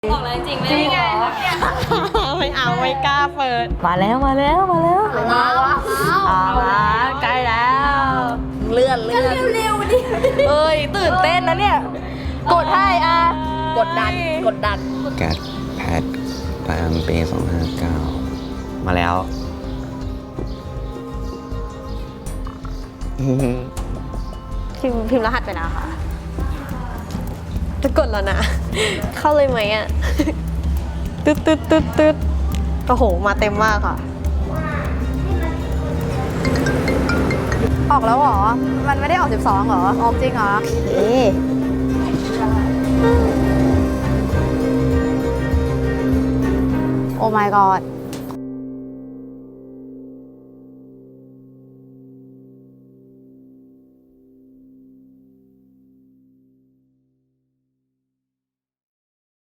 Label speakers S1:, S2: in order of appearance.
S1: บอกเลยจริงไม่ไง
S2: ไม่เอาไม่กล้าเปิด
S3: มาแล้วมาแล้วมาแล้วใกล้แล้วเลื่อนเร็วๆดิเอ้ยตื่นเต้นนะเนี่ยกดให้กดดัน
S4: แกดแพดประจำปี259มาแล้ว
S2: พิมพ์รหัสไปแล้วค่ะจะกดแล้วนะ เข้าเลยไหมอ่ะ ตึ๊ดโอ้โหมาเต็มมากค่ะ
S1: ออกแล้วเหรอมันไม่ได้ออก12เหรอออกจริงเหรอโอ้ my god